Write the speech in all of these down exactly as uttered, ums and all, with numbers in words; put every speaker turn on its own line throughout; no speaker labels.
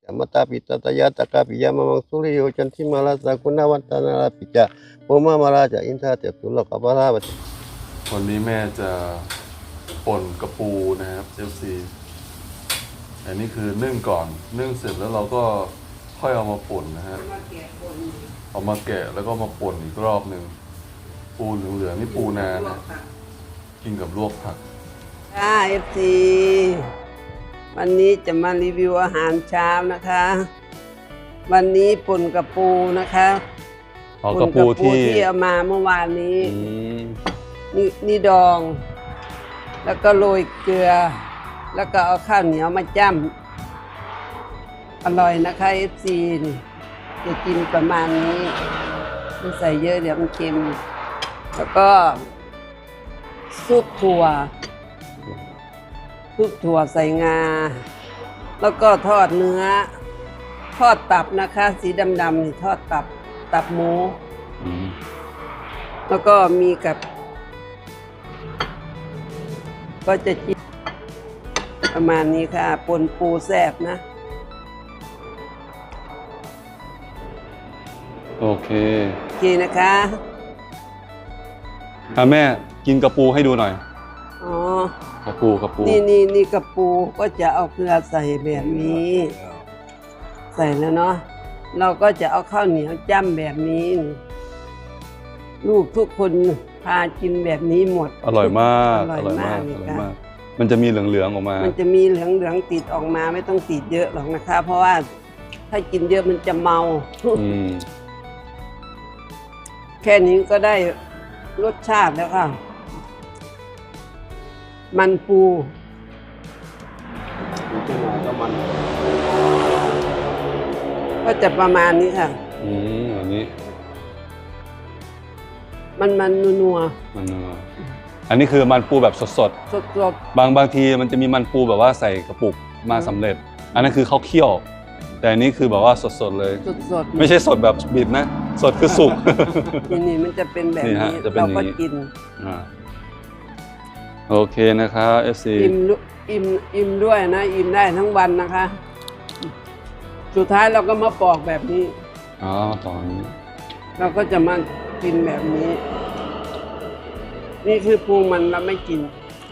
จามตาปิตตยาตะกาปิยามังสุริโยจันทิมาลาสกุณาวันตานาลาปิจาโมมามาราจาอินทาเตตุลกบาลาบ
วันนี้แม่จะป่นกระปูนะครับเอฟซีอันนี้คือนึ่งก่อนนึ่งเสร็จแล้วเราก็ค่อยเอามาป่นนะฮะเอามาแกะแล้วก็มาป่นอีกรอบหนึ่งปูเหลืองๆนี่ปูนานะกินกับลวกผัก
ค่ะเอฟซีวันนี้จะมารีวิวอาหารเช้านะคะ วันนี้ป่นกระปูนะคะ
ป่นกระปูที่
ที่เอามาเมื่อวานนี้นี่นี่ดองแล้วก็โรยเกลือแล้วก็เอาข้าวเหนียวมาจ้ำอร่อยนะคะเอฟซีจะกินประมาณนี้ไม่ใส่เยอะเดี๋ยวมันเค็มแล้วก็ซุปถั่วซุปถั่วใส่งาแล้วก็ทอดเนื้อทอดตับนะคะสีดำๆนี่ทอดตับตับหมูแล้วก็มีกับก็จะกินประมาณนี้ค่ะปนปูแซ่บนะ
โอเค
โอเคนะคะ
ค่ะแม่กินกระปูให้ดูหน่อย
อ๋อก
ระปูกระปู
นี่นี่นี่กระปูก็จะเอาเกลือใส่แบบนี้ ใส่แล้วเนาะเราก็จะเอาข้าวเหนียวจ้ำแบบนี้ลูกทุกคนพากินแบบนี้หมด
อร่อยมากอร่อยมากอร่อยมากมันจะมีเหลืองๆออกมา
มันจะมีเหลืองๆติดออกมาไม่ต้องติดเยอะหรอกนะคะเพราะว่าถ้ากินเยอะมันจะเมาแค่นี้ก็ได้รสชาติแล้วค่ะมันปูก็จะประมาณนี้ค่ะ
อืมแบบนี้
มันมันนัว
มันนัวอันนี้คือมันปูแบบสดสด
สดสด
บางบางทีมันจะมีมันปูแบบว่าใส่กระปุกมาสำเร็จอันนั้นคือเขาเคี่ยวแต่อันนี้คือแบบว่าสดสดเลย
สดสด
ไม่ใช่สดแบบบีบนะสดคือสุก
นี่นี่มันจะเป็นแบบนี้เราก็กิน
โอเคนะครับเอฟซี
อิ่มอิ่มอิ่มด้วยนะอิ่มได้ทั้งวันนะคะสุดท้ายเราก็มาปอกแบบนี้
อ๋อตอนนี้
เราก็จะมากินแบบนี้นี่คือปูมันเราไม่กิน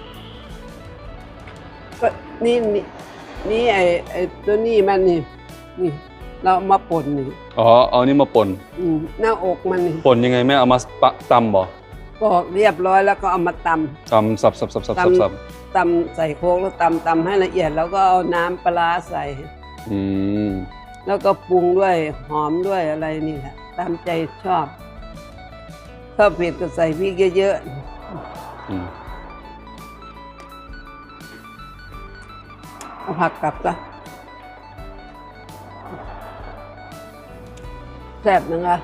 ก็นี่นี่นี่ไอไอตัวนี้มันนี่นี่เรามาป่นนี่
อ๋อเอานี่มาป่น
หน้าอกมันนี่
ป่นยังไงแม่เอามาตำบ่
ปอกเรียบร้อยแล้วก็เอามาตำ
ตำสับสับสับสับสับ
ตำใส่โคกแล้วตำตำให้ละเอียดแล้วก็เอาน้ำปลาใส่
อืม
แล้วก็ปรุงด้วยหอมด้วยอะไรนี่แหละตามใจชอบชอบเผ็ดก็ใส่พริกเยอะๆเอาผักกลับซะแซ่บนะคะ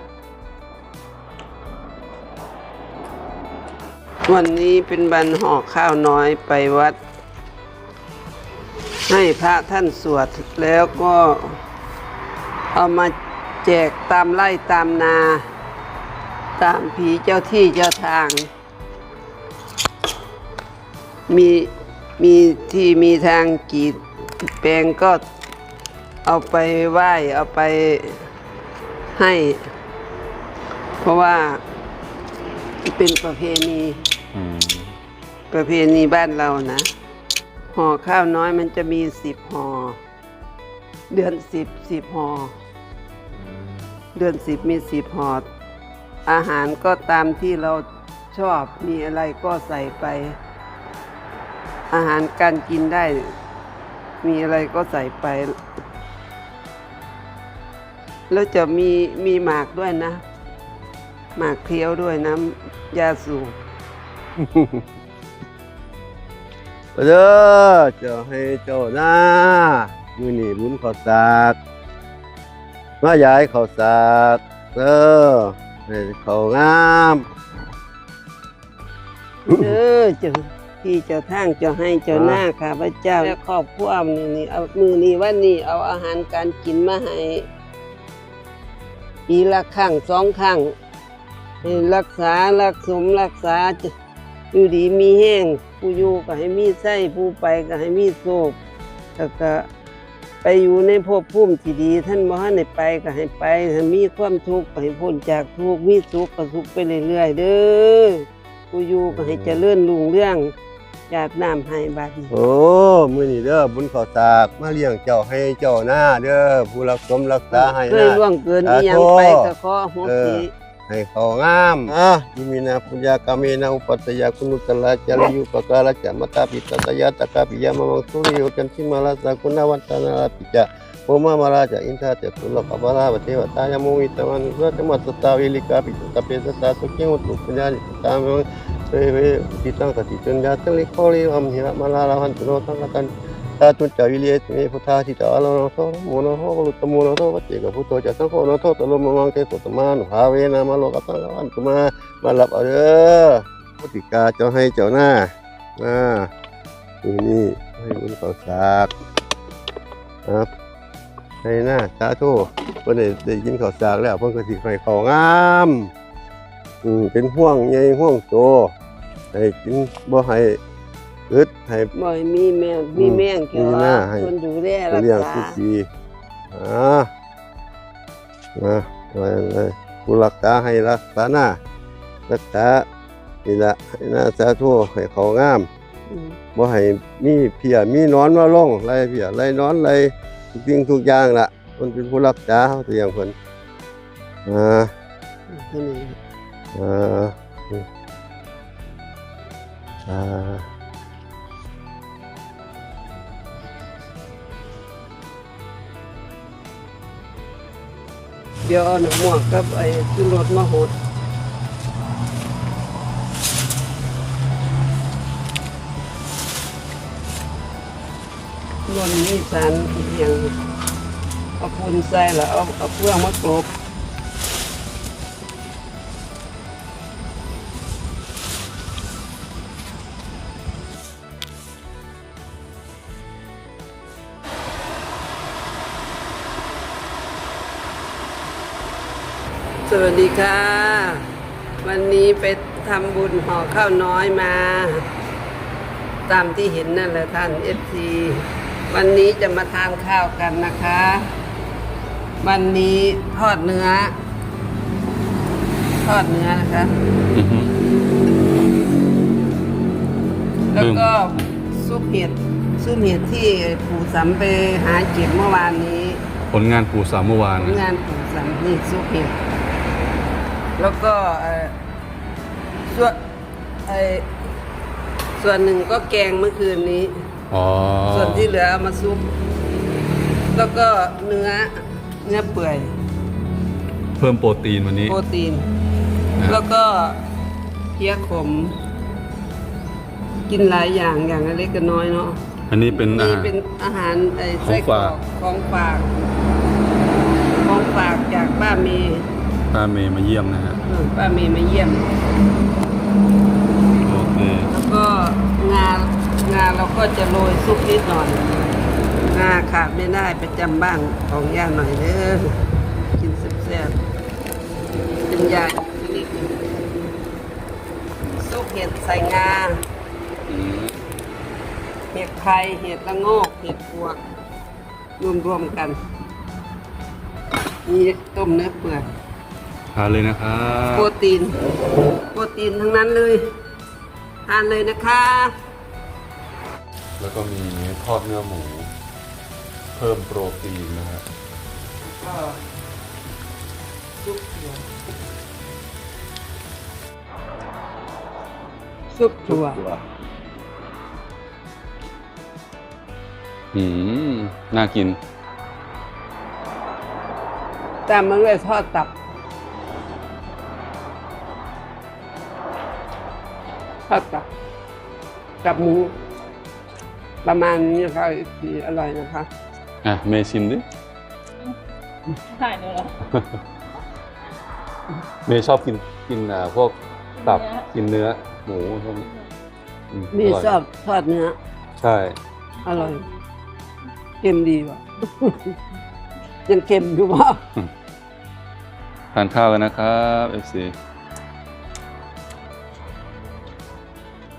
วันนี้เป็นวันห่อข้าวน้อยไปวัดให้พระท่านสวดแล้วก็เอามาแจกตามไร่ตามนาตามผีเจ้าที่เจ้าทางมีมีที่มีทางกีดแปลงก็เอาไปไหว้เอาไปให้เพราะว่าเป็นประเพณีประเพณีบ้านเรานะห่อข้าวน้อยมันจะมีสิบห่อเดือนสิบสิบห่อเดือนสิบมีสิบห่ออาหารก็ตามที่เราชอบมีอะไรก็ใส่ไปอาหารการกินได้มีอะไรก็ใส่ไปแล้วจะมีมีหมากด้วยนะหมากเคี้ยวด้วยน้ำยาสูบ
เด้อเจ้าให้เจ้าหน้ามือนี่บุญข้าวสากมาย้ายข้าวสากเด้อให้ข้าวงาม
เด้อเจ้าที่เจ้าทางเจ้าให้เจ้าหน้าข้าพเจ้าและครอบครัวมือนี่เอามือนี่วันนี้เอาอาหารการกินมาให้ปีละครั้งสองครั้งให้รักษารักสมรักษาอยู่ดีมีแห้งผู้อยู่ก็ให้มีไส้ผู้ไปก็ให้มีโชคแล้วก็ไปอยู่ในภพภูมิที่ดีท่านบ่ให้ได้ไปก็ให้ไปถ้ามีความทุกข์ก็ให้พ้นจากทุกข์มีสุขก็สุขไปเรื่อยๆเด้อผู้อยู่ก็ให้เจริญรุ่งเรืองญาติน้ำให้บัดนี้
โอ้มื้อนี้เด้อบุญข้าวสากมาเลี้ยงเจ้าให้เจ้าหน้าเด้อผู้รักสมรักษาให้
เคย
นะ
ล่วงเกินอีหยังไปก็ขอโหสิ
ให้เขางามอ่ะยิมินาปุญญากาเมนะอุปัตตยาคุณุตละจาริยุปการะจามตาปิตตยาตกาปิยามะมังสุริโยจันทิมาลาสาคุณวัตนาปิจาโมมามาราจาอินทาเตตุลกบาลาวเทวตายามุวิตวันสุตมัสตาวิลิกาปิตตเปสตาสุขิอุตุปัญญาตามะเวเวปิตังกติจัญญาตลิโคลิอัมหิระมาลาลาหันตุโนตังกันตาตุจาวิเลียเมพุทธาทิตาลโนโตโมโนโหลุตโมโนโตวัจเจกพุทโธจัสสังโฆโนโตตโลมมังเตสุตมานุภาเวนะมาโลกัสสังวันตุมามาหลับเอาเด้อพุทธิกาเจ้าให้เจ้าหน้าอ่านี่นี่ให้บุญข้าวสากครับให้หน้าสาธุเพิ่นได้ได้กินข้าวสากแล้วเพิ่นก็สิให้ข้าวงามอืมเป็นห่วงใหญ่ห่วงโตให้กินบ่ให้อึดให้
บ่ให้มีแมงมีแมงเกี่ยว
มีหน้าให้
คนดูแลรัก
เลี้ยง
ษา
ทุกปีอ่ามาไว้เลยผู้รักษาให้รักษาหน้ารักษานี่ละให้หน้าสาธุให้เขางาม
อืม
บ่ให้มีเพียมีหนอนมาลงไรเพียไรหนอนไรทุกสิ่งทุกอย่างล่ะคนเป็นผู้รักษาเขาตัวอย่างคนอ่า
เท่านี้
อ่าอ่า
เดี๋ยวเอาหนังหมวกกับไอ้ขึ้นรถมาหดบนมีสารอีกอย่างเอาปูนใส่แล้วเอาเอาเฟืองมากรบสวัสดีค่ะ วันนี้ไปทำบุญห่อข้าวน้อยมา ตามที่เห็นนั่นแหละท่านเอฟซีวันนี้จะมาทานข้าวกันนะคะ วันนี้ทอดเนื้อ ทอดเนื้อนะคะ แล้วก็ซุปเห็ดซุปเห็ดที่ปู่สำไปหาเก็บเมื่อวานนี้
ผลงานปู่สามเมื่อวาน
ผลงานปู่สำนี่ซุปเห็ดแล้วก็เอ่อส่วนไอส่วนหนึ่งก็แกงเมื่อคืนนี้
อ๋อ
ส่วนที่เหลือเอามาซุป แล้วก็เนื้อเนื้อเปื่อย
เพิ่มโปรตีนวันนี้
โปรตีน
นะ
แล้วก็เพี้ยขม กินหลายอย่างอย่างเล็กก็น้อยเนาะ
อันนี้เป็นอา
นี่
หาร
เป็นอาหารไอ้
ของ
ไส้กรอ
ฝาก
กของฝากของฝากจากป้าเมย์
ป้าเมย์มาเยี่ยมนะฮะ
เออป้าเมย์มาเยี่ยม
โอเค
แล้วก็งางาเราก็จะโรยซุปนิดหน่อยงาขาดไม่ได้ประจำบ้านของย่าหน่อยเด้อกินแซ่บๆเป็นยาชนิดหนึ่งซุปเห็ดใส่งา
อืม
เห็ดไทยเห็ดละโงกเห็ดพวกรวมๆกันมีต้มเนื้อเปื่อย
ทานเลยนะครับ
โปรตีน โปรตีนทั้งนั้นเลยทานเลยนะคะ
แล้วก็มีทอดเนื้อหมู เพิ่มโปรตีนนะครับ
ก็ซุปถั่วซุปถั่ว
อืมน่ากิน
ตามมาด้วยทอดตับทอดตับกับหมู ประมาณนี้นะคะที่อร่อยนะคะ
อ่ะ เมย์ชิมดิ
ถ่ายเลยเหรอ
เมย์ชอบกินกินอ่าพวกตับ
เนื้อ
กินเนื้อ หมูพวกนี้อื
มี
ร่ย
ชอบทอดเนื้อ
ใช่
อร่อยเค็มดีว่ะ ยังเค็มอยู่ว่ะ
ทานข้าวกันนะครับ เอฟซี